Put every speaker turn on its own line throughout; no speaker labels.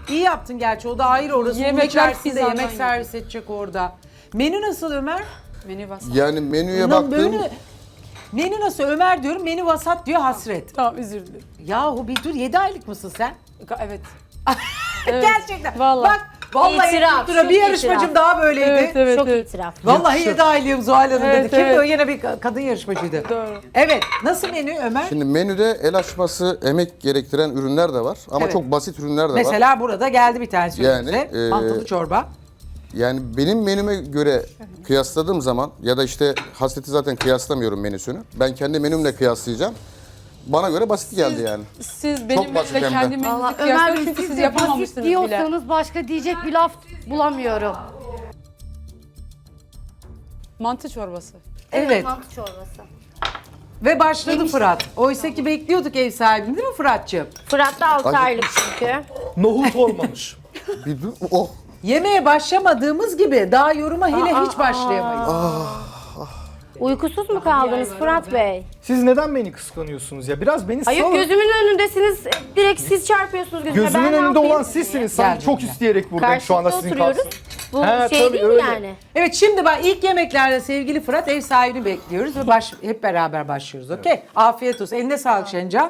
İyi yaptın gerçi, o da ayrı orası.
Yemekler
içerisinde
pizzadan
yemek servis edecek orada. Menü nasıl Ömer?
Menü vasat.
Yani menüye baktım.
Menü nasıl Ömer diyorum, menü vasat diyor Hasret.
Tamam özür dilerim.
Yahu bir dur, 7 aylık mısın sen?
Evet.
Gerçekten.
Vallahi.
Bak vallahi
İtiraf,
tuttura,
çok
bir yarışmacım
itiraf.
daha böyleydi.
Evet.
Çok itiraf.
Vallahi
Yakışır.
7 aylığım Zuhal Hanım
Evet,
dedi. Kimdi
evet.
o? Yine bir kadın yarışmacıydı.
Doğru.
Evet. Nasıl menü Ömer?
Şimdi menüde el açması, emek gerektiren ürünler de var. Ama
Evet.
çok basit ürünler de var.
Mesela burada geldi bir tanesi
Yani,
önümüze. Mantılı çorba.
Yani benim menüme göre kıyasladığım zaman ya da işte Hasret'i zaten kıyaslamıyorum menüsünü. Ben kendi menümle kıyaslayacağım. Bana göre basit geldi yani.
Siz benim
basit
menümle
hem de.
kendi
Valla
menünüzü
Ömer
kıyaslayın
Bey,
çünkü
siz
siz
de basit
yapamamışsınız bile.
diyorsanız başka diyecek bir laf bulamıyorum.
Mantı çorbası.
Evet.
Mantı çorbası.
Ve başladı Fırat. Oysa ki bekliyorduk ev sahibini, değil mi Fırat'cığım?
Fırat da 6
Acı-
aylık çünkü.
Nohut olmamış.
Bir dur. Oh.
Yemeğe başlamadığımız gibi daha yoruma hele hiç başlayamayız.
Uykusuz mu kaldınız Fırat Bey?
Siz neden beni kıskanıyorsunuz ya? Biraz beni
Hayır
salın.
gözümün önündesiniz. Direkt siz çarpıyorsunuz gözüme.
Gözümün
Ben ne
önünde
yapayım?
olan sizsiniz. Sanki
Gel
çok
benimle.
isteyerek buradayım şu anda
Karşılıklı
sizin
oturuyoruz.
karşınızda.
Bu
He,
şey
tabii,
değil mi
öyle.
yani?
Evet, şimdi bak ilk yemeklerde sevgili Fırat ev sahibini bekliyoruz ve hep beraber başlıyoruz. Okey? Afiyet olsun. Eline sağlık Şencan.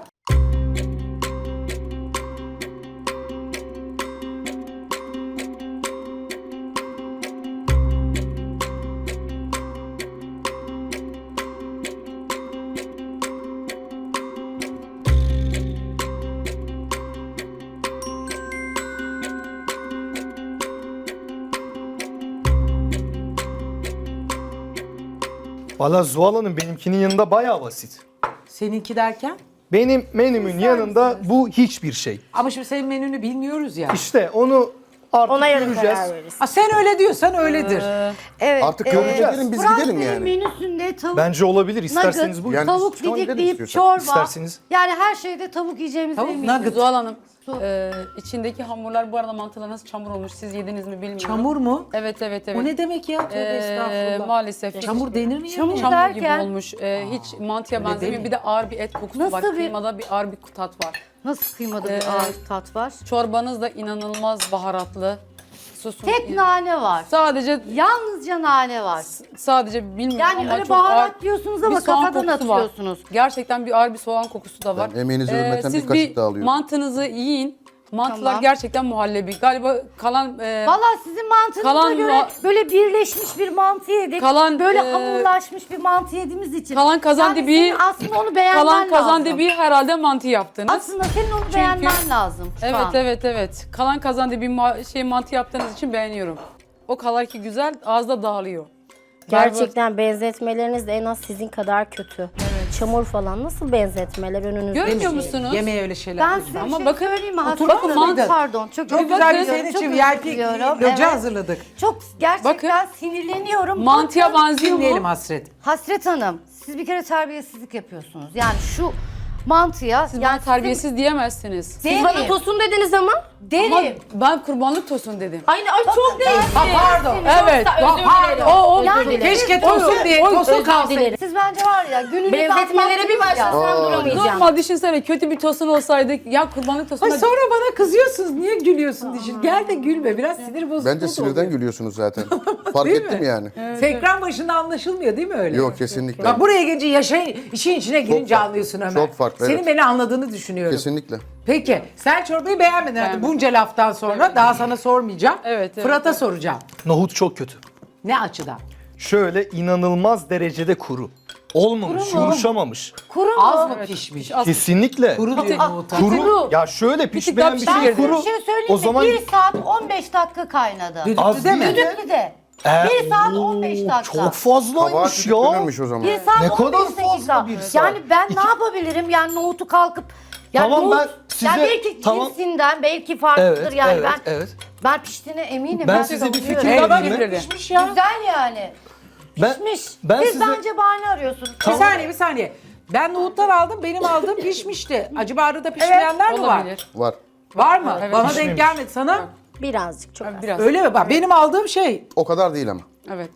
Valla Zuhal Hanım benimkinin yanında bayağı basit.
Seninki derken?
Benim menümün yanında bu hiçbir şey.
Ama şimdi senin menünü bilmiyoruz ya.
İşte onu artık
Ona göre
göreceğiz.
karar veririz.
Aa, sen öyle diyorsan öyledir.
Evet.
Artık göreceğiz. Biz
Fırat
gidelim
Bey'in
yani.
menüsünde tavuk,
Bence olabilir. İsterseniz buyurun.
Yani
tavuk
tamam, gidelim
didikleyip
istiyorsan.
çorba.
İsterseniz.
Yani her şeyde tavuk yiyeceğimize
Tavuk
eminim.
nugget.
Zuhal Hanım, içindeki hamurlar bu arada mantılar nasıl çamur olmuş siz yediniz mi bilmiyorum.
Çamur mu?
Evet.
O ne demek ya? Tövbe estağfurullah.
Maalesef.
Çamur denir mi ya?
Çamur
Çamur gibi
derken-
olmuş. Hiç mantıya
öyle
benzemiyor.
değil.
Bir de ağır bir et kokusu
Nasıl
var.
bir-
Kıymada bir ağır bir tat var.
Nasıl kıymada bir ağır tat var?
Çorbanız da inanılmaz baharatlı. Sosun
Tek nane var.
sadece
Yalnızca nane var.
bilmiyorum
Yani
ama
öyle
çok
baharat
ağır
diyorsunuz
bir
ama
soğan
kafadan
kokusu var.
atıyorsunuz.
Gerçekten bir ağır bir soğan kokusu da var.
Ben emeğinizi hürmeten bir
Siz
kaşık daha alıyorum.
mantınızı yiyin. Mantılar
Tamam.
gerçekten muhallebi. Galiba kalan
Vallahi sizin mantığınıza
Kalan
göre
ma-
böyle birleşmiş bir mantı yedik.
Kalan,
böyle
e,
hamurlaşmış bir mantı yediğimiz için.
kalan kazandibi-
Yani senin aslında onu beğenmen
kalan kazan
lazım.
dibi herhalde mantı yaptınız.
Aslında senin onu beğenmen lazım şu an.
Evet. Kalan kazan dibi mantı yaptığınız için beğeniyorum. O kadar ki güzel, ağızda dağılıyor.
Gerçekten benzetmeleriniz de en az sizin kadar kötü. Çamur falan nasıl benzetmeler önünüzde?
Görmüyor musunuz?
Yemeğe öyle şeyler.
Ben
lütfen.
size
Ama
bir şey
bakın,
söyleyeyim mi?
otur
Hatta-
bakın, mantı.
Pardon.
Çok
özür
güzel bir
diliyorum,
senin
çok
için
özür
VIP
diliyorum.
loca
Evet.
hazırladık.
Çok gerçekten
Bakın.
sinirleniyorum.
Mantıya
Bakın,
benziyor mu?
Dinleyelim Hasret.
Hasret Hanım, siz bir kere terbiyesizlik yapıyorsunuz. Yani şu mantıya...
Siz
yani
bana terbiyesiz diyemezsiniz.
Siz bana tosun dediniz ama.
Ama
Derim.
ben kurbanlık tosun dedim.
Ay çok değişti.
Ha pardon.
Evet.
Özür dilerim.
O
Yani
Keşke
o-
tosun diye tosun
Özür
kalsın.
dilerim.
Siz bence var ya gününüzü
Benzetmelere bir
atlattınız ya.
başlasam duramayacağım.
normal düşünsene kötü bir tosun olsaydı ya kurbanlık tosun.
Ay sonra bana kızıyorsunuz. Niye gülüyorsun dişin? Gel de gülme. Biraz sinir bozukluğu
Bence
da
sinirden
oluyor.
gülüyorsunuz zaten. Fark
Değil
ettim
mi?
yani.
Ekran başında anlaşılmıyor değil mi öyle?
Yok kesinlikle.
Bak buraya gelince işin içine girince
farklı.
anlıyorsun Ömer.
Çok farklı,
Senin
evet.
beni anladığını düşünüyorum.
Kesinlikle.
Peki sen çorbayı beğenmedin artık
Beğenmedim.
bunca laftan sonra. Daha sana sormayacağım.
Evet,
Fırat'a soracağım.
Nohut çok kötü.
Ne açıdan?
Şöyle inanılmaz derecede kuru. Olmamış, yumuşamamış.
Kuru mu?
Az mı pişmiş?
Kesinlikle.
Kuru diyor nohuta.
Kuru. Ya şöyle pişmeyen bir
daha
şey
pişirdi.
kuru.
Bir şey söyleyeyim
O
mi?
zaman
1 saat 15 dakika kaynadı.
az
Düdüklü
değil.
deme.
Düdüklü de.
Ee,
1 saat 15 dakika.
Çok
Kabahat
fazlaymış ya.
tükürülmüş o zaman.
1 saat
Ne
15
kadar fazla
dakika.
bir saat?
Yani ben ne yapabilirim? Yani nohutu kalkıp yani
Tamam,
nohut,
ben size-
yani belki
tamam.
cinsinden belki farklıdır
Evet,
yani
evet,
ben
evet.
ben piştiğine eminim.
Ben size bir
savunuyorum.
fikir
Baba
vereyim mi?
pişmiş ya.
Güzel yani.
Ben-
Pişmiş.
ben
Siz
size-
bence bahane arıyorsunuz.
Bir saniye. Ben nohutlar aldım. Benim aldığım pişmişti. Acaba arada pişmeyenler mi var?
Olabilir.
Var.
Var mı?
Evet.
Bana denk
Pişmemiş.
gelmedi. Sana
Birazcık çok az.
Biraz.
öyle mi? Bak benim aldığım şey.
O kadar değil ama.
Evet.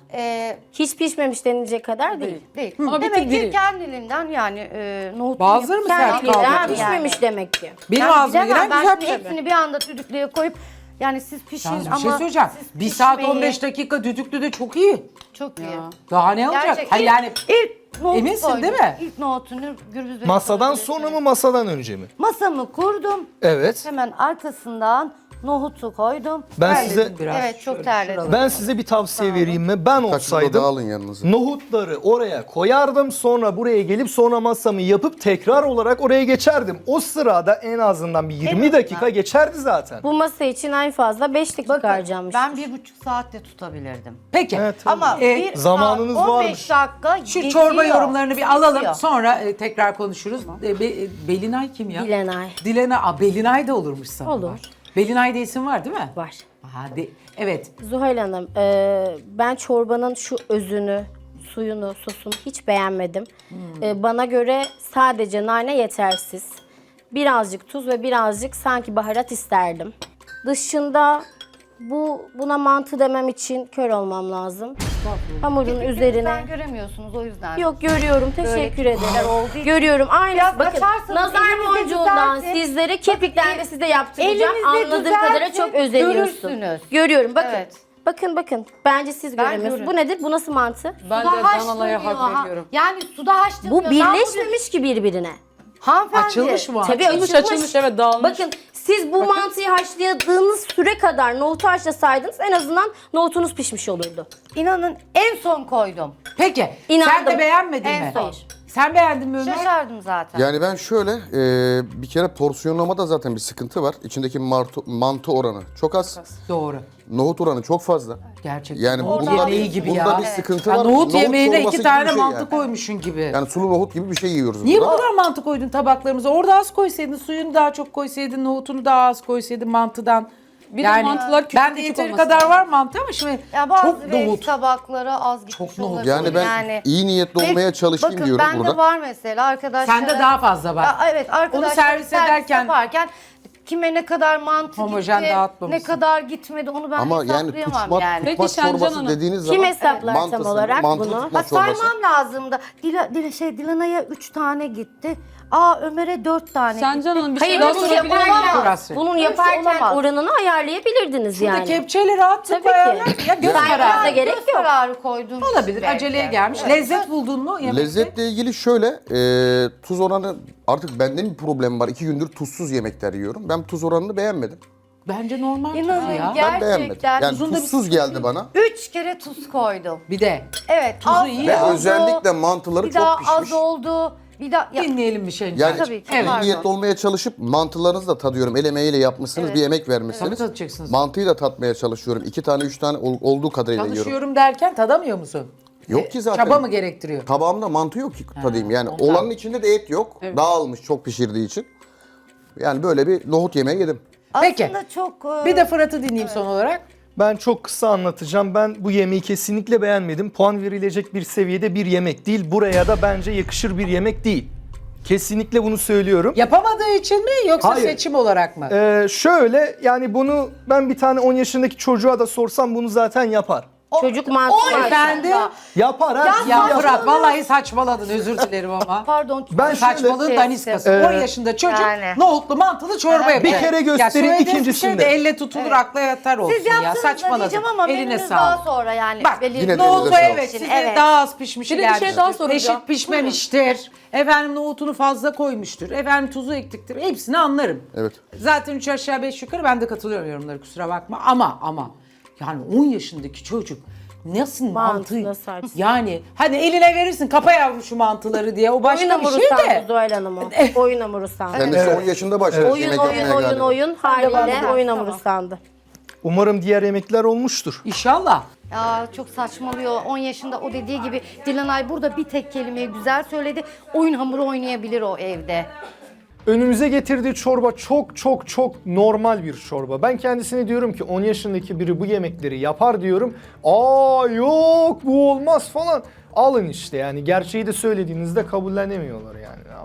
Hiç pişmemiş denilecek kadar değil.
Değil.
Ama bir
Demek
tık
ki
diri.
kendiliğinden yani nohut
Bazıları mı sert kaldı?
Pişmemiş demek ki.
Benim
Yani
ağzıma
bilemem,
giren
ben
güzel
şimdi
pişirdi.
hepsini bir anda düdüklüye koyup yani siz pişin
Yalnız bir
ama
şey söyleyeceğim.
siz
1 saat
pişmeyin.
15 dakika düdüklü de çok iyi.
Çok iyi.
Daha ne olacak?
Gerçek.
Hayır yani
İlk nohutu
Eminsin
koydum.
değil mi?
İlk nohutunu Gürbüz Bey
Masadan
söyledi.
sonra mı masadan önce mi?
Masamı kurdum.
Evet.
Hemen arkasından nohutu koydum.
Ben
terledin
size
biraz.
Evet çok
Şöyle
terledim.
şuralara.
ben size bir tavsiye vereyim mi? Ben
Kaçında da
olsaydım
alın yanınıza.
nohutları oraya koyardım, sonra buraya gelip sonra masamı yapıp tekrar olarak oraya geçerdim. O sırada en azından bir 20 dakika geçerdi zaten.
Bu masa için en fazla 5 dakika
Bakın
harcamış.
ben 1,5 saatte tutabilirdim.
Peki.
Evet, tabii.
Ama
Ee,
bir
zamanınız
saat, 15
varmış.
dakika
Şu
geçiyor.
çorba yorumlarını bir alalım.
Geçiyor.
Sonra tekrar konuşuruz. Belinay kim ya?
Dilenay.
Belinay da olurmuş sana.
Olur.
Belinay diye isim var değil mi?
Var.
Evet.
Zuhal Hanım, ben çorbanın şu özünü, suyunu, sosunu hiç beğenmedim. Bana göre sadece nane yetersiz. Birazcık tuz ve birazcık sanki baharat isterdim. Dışında buna mantı demem için kör olmam lazım. Hamurun üzerine.
Sen göremiyorsunuz o yüzden.
Yok görüyorum. Teşekkür
küçükler
ederim.
olduğu için
Görüyorum. Aynı.
biraz
Bakın
açarsanız
nazar
elinizde
boncuğundan
düzeltin.
sizlere kepikten de size yaptıracağım.
elinizde
Anladığım kadarıyla
düzeltin,
çok özeniyorsun.
görürsünüz.
Görüyorum. Bakın.
Evet.
Bakın. Bence siz göremiyorsunuz.
görüyorum.
Bu nedir? Bu nasıl mantı?
Ben de
Suda
Danala'ya
haşlanıyor.
hak veriyorum.
Yani suda haşlanıyor.
Bu
Ben bunu-
birleşmemiş ki birbirine.
Hanımefendi.
Açılmış mı?
Tabii
Açılmış, evet, dağılmış.
Bakın siz bu mantıyı haşladığınız süre kadar nohutu haşlasaydınız en azından nohutunuz pişmiş olurdu.
İnanın en son koydum.
Peki. Sen
İnandım.
de beğenmedin
En
mi?
son.
Sen beğendin mi Ömer?
Şaşardım zaten.
Yani ben şöyle bir kere porsiyonlamada zaten bir sıkıntı var. İçindeki mantı oranı çok az.
Doğru.
Nohut oranı çok fazla.
Gerçekten.
Yani
nohut
bunda
yemeği
bir-
gibi
bunda
ya.
bir sıkıntı
Ya
var.
Nohut yemeğine
çorbası
2
gibi
tane
bir şey
mantı
yani.
koymuşsun gibi.
Yani sulu nohut gibi bir şey yiyoruz
Niye bu
burada.
kadar mantı koydun tabaklarımıza? Orada az koysaydın, suyunu daha çok koysaydın, nohutunu daha az koysaydın mantıdan.
Bir de mantılar küçük
ben de
küçük
yeteri
olması
kadar
lazım.
var mantı ama şimdi
Ya bazı
çok nohut.
tabaklara az gitmiş
Çok nohut.
olabilir.
Yani ben iyi niyetli
Ve
olmaya çalışayım
bakın,
diyorum
bende
burada.
var mesela arkadaşlar.
Sende daha fazla var.
Evet arkadaşlar
servis ederken-
yaparken kime ne kadar mantı
Homojen
gitti,
dağıtmamışsın.
ne kadar gitmedi onu ben
Ama yani
hesaplayamam
tutmak,
yani.
Peki
tutmak
Şencan
çorbası
Hanım,
dediğiniz
kim
zaman
hesaplar tam
mantısını,
olarak
mantılı
bunu?
tutmak çorbası.
Saymam lazımdı. Dilana'ya 3 tane gitti. Ömer'e 4 tane
Şencan
gitti.
Hanım bir
Hayır
şey daha
bunu
sorabilir miyim?
yaparken,
Burası.
bunun
Öyle
yaparken
olamaz.
oranını ayarlayabilirdiniz
Burada
yani.
kepçeyle rahatlıkla
Tabii ki.
ayarlar. Ya göz
Yani
kararı.
da gerek
Göz
yok.
kararı koydum.
Olabilir.
belki.
Aceleye gelmiş.
Evet.
Lezzet buldun mu yemekte?
Lezzetle ilgili şöyle, tuz oranı artık bende bir problem var. 2 gündür tuzsuz yemekler yiyorum. Ben tuz oranını beğenmedim.
Bence normal tuzu
İnanın
ya.
Ben beğenmedim.
gerçekten
Yani
tuzun da bir
tuzsuz geldi bana.
3 kere tuz koydum.
Bir de
Evet.
Tuzu
az
iyi
Ve
ya.
oldu,
özellikle mantıları
bir
çok
daha
pişmiş.
az oldu. Bir daha ya,
dinleyelim bir şey.
Yani
Tabii ki,
iyi
pardon.
niyetli olmaya çalışıp mantılarınızı da tadıyorum. El emeğiyle yapmışsınız, bir emek vermişsiniz.
Tabii tadacaksınız.
Mantıyı da tatmaya çalışıyorum. 2 tane, 3 tane olduğu kadarıyla yiyorum.
Çalışıyorum derken tadamıyor musun?
Yok ki zaten.
Çaba mı gerektiriyor?
Tabağımda mantı yok ki tadayım. Yani
ondan.
olanın içinde de et yok. Dağılmış çok pişirdiği için. Yani böyle bir nohut yemeği yedim.
Peki.
aslında çok
Bir de Fırat'ı dinleyeyim son olarak.
Ben çok kısa anlatacağım. Ben bu yemeği kesinlikle beğenmedim. Puan verilecek bir seviyede bir yemek değil. Buraya da bence yakışır bir yemek değil. Kesinlikle bunu söylüyorum.
Yapamadığı için mi yoksa
Hayır.
seçim olarak mı?
Şöyle yani bunu ben bir tane 10 yaşındaki çocuğa da sorsam bunu zaten yapar.
Çocuk mantığı var.
Efendim?
Yapar her şeyi
Ya
yapar.
Fırat vallahi saçmaladın özür dilerim ama.
pardon.
Ben
Saçmalığın
Şey-
daniskası.
Ee,
10 yaşında çocuk
yani.
nohutlu mantılı çorba yapıyor.
Bir kere gösterin,
Ya söylediğiniz bir
ikincisinde.
şey de elle tutulur akla yatar olsun
Siz
ya.
yaptınız da
Saçmaladın.
diyeceğim ama
Eline
menünüz daha
sağlık.
sonra yani.
Bak
belirli-
Yine de
nohutu
elinize
evet
sağlık.
size
Evet.
daha az pişmişi
Bir de bir şey
gelmiştir.
daha soracağım.
Eşit pişmemiştir. Efendim nohutunu fazla koymuştur. Efendim tuzu ektiktir. Hepsini anlarım.
Evet.
Zaten 3 aşağı 5 yukarı ben de katılıyorum yorumlara kusura bakma. Ama yani 10 yaşındaki çocuk nasıl
Mantı
mantı
nasıl artık?
yani hani eline verirsin kapa yavrum şu mantıları diye o
Oyun
başka bir
hamuru
şey
sandı
de.
Oyun hamuru. Oyun hamuru sandı.
Kendisi 10 yaşında başladı
Oyun
yemek yapmaya galiba.
haliyle oyun hamuru sandı.
Umarım diğer yemekler olmuştur.
İnşallah.
Ya çok saçmalıyor. 10 yaşında o dediği gibi Dilanay burada bir tek kelimeyi güzel söyledi. Oyun hamuru oynayabilir o evde.
Önümüze getirdiği çorba çok normal bir çorba. Ben kendisine diyorum ki 10 yaşındaki biri bu yemekleri yapar diyorum. Yok bu olmaz falan. Alın işte yani gerçeği de söylediğinizde kabullenemiyorlar yani ne yapalım.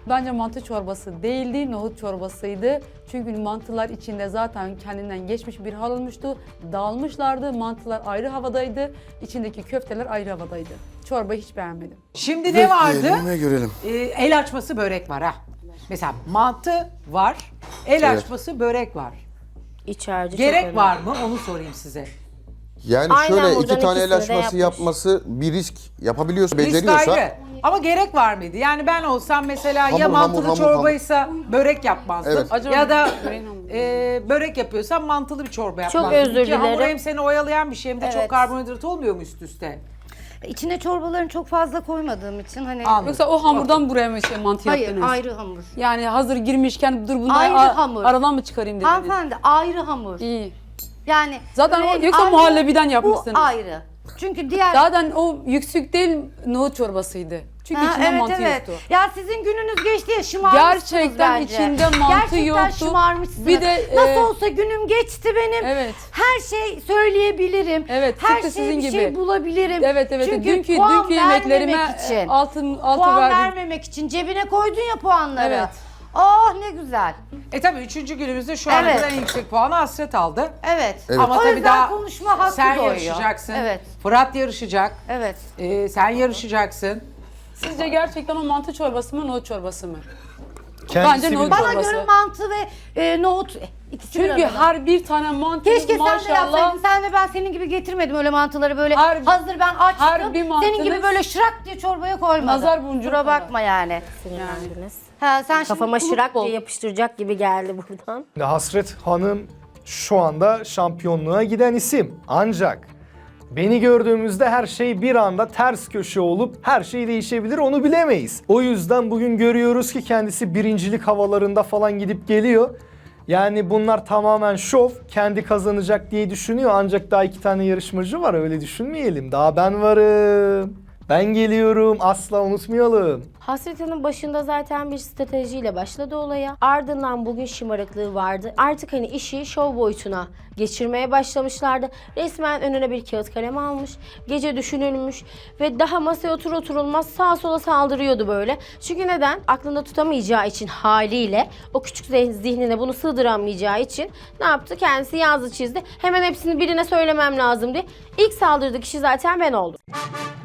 Bence mantı çorbası değildi, nohut çorbasıydı. Çünkü mantılar içinde zaten kendinden geçmiş bir hal olmuştu. Dağılmışlardı, mantılar ayrı havadaydı, içindeki köfteler ayrı havadaydı. Çorbayı hiç beğenmedim.
Şimdi ne vardı?
Bekleyelim ve görelim.
El açması börek var ha. Mesela mantı var, el
Evet.
açması börek var.
İç harcı çok
Gerek
önemli.
var mı onu sorayım size.
Yani
Aynen
şöyle
buradan
2 tane el
ikisini de
açması
yapmış.
yapması bir risk. Yapabiliyorsa,
Risk
beceriyorsa.
ayrı. Ama gerek var mıydı? Yani ben olsam mesela ya
Hamur,
mantılı
hamur,
çorbaysa börek yapmazdım.
Evet.
Acaba
Ya da
böreğin hamuru.
börek yapıyorsam mantılı bir çorba
Çok
yapmazdım.
özür
Ki hamur
dilerim.
hem seni oyalayan bir şey hem de çok
Evet.
karbonhidrat olmuyor mu üst üste?
İçine çorbalarını çok fazla koymadığım için hani
Anladım.
Yoksa o hamurdan buraya mı mantı
hayır
yaptınız?
ayrı hamur.
Yani hazır girmişken dur bunları
Ayrı hamur.
aradan mı çıkarayım dediniz?
Hanımefendi ayrı hamur.
İyi.
Yani
Zaten
böreğin
yoksa
ayrı,
muhallebiden yapmışsınız.
Bu ayrı. Çünkü diğer
Zaten o yüksük değil nohut çorbasıydı. Çünkü içinde
evet,
mantı
evet.
yoktu.
Ya sizin gününüz geçti ya şımarmışsınız
Gerçekten
bence.
içinde mantı
Gerçekten
yoktu.
şımarmışsınız.
Bir de,
nasıl olsa günüm geçti benim.
Evet.
Her şey söyleyebilirim.
Evet,
Her
tıpkı
şey
sizin
bir
gibi.
şey bulabilirim.
Evet evet.
Çünkü
Dünkü
puan
yemeklerime
vermemek için.
altı
Puan
verdim.
vermemek için cebine koydun ya puanları.
Evet.
Oh ne güzel.
Tabii 3. günümüzde şu ana
Evet.
kadar en yüksek puanı Hasret aldı.
Evet.
Ama
O
tabii
yüzden
daha
konuşma hakkı
sen
doğuyor.
yarışacaksın.
Evet.
Fırat yarışacak.
Evet.
Sen yarışacaksın.
Sizce gerçekten o mantı çorbası mı nohut çorbası mı?
Kendisi
Bence nohut
bilir.
Bana
çorbası.
göre mantı ve nohut ikisi bir
Çünkü
arada.
her bir tane mantı
Keşke sen de
maşallah.
yapsaydın. Sen de ben senin gibi getirmedim öyle mantıları böyle
Her-
hazır ben açtım.
her bir
Senin gibi
mantınız-
böyle şırak diye çorbaya koymadım.
Nazar boncuğu
Kusura
kadar.
bakma yani.
Sinirlendiniz.
Ha, sen
Kafama
şimdi
şırak
kulüp
diye yapıştıracak gibi geldi buradan.
Hasret Hanım şu anda şampiyonluğa giden isim. Ancak beni gördüğümüzde her şey bir anda ters köşe olup her şey değişebilir, onu bilemeyiz. O yüzden bugün görüyoruz ki kendisi birincilik havalarında falan gidip geliyor. Yani bunlar tamamen şov, kendi kazanacak diye düşünüyor. Ancak daha 2 tane yarışmacı var, öyle düşünmeyelim. Daha ben varım. Ben geliyorum, asla unutmayalım.
Hasret Hanım başında zaten bir stratejiyle başladı olaya. Ardından bugün şımarıklığı vardı. Artık hani işi şov boyutuna geçirmeye başlamışlardı. Resmen önüne bir kağıt kalem almış. Gece düşünülmüş ve daha masaya oturulmaz sağa sola saldırıyordu böyle. Çünkü neden? Aklında tutamayacağı için haliyle o küçük zihnine bunu sığdıramayacağı için ne yaptı? Kendisi yazdı çizdi. Hemen hepsini birine söylemem lazım diye. İlk saldırdığı kişi zaten ben oldum.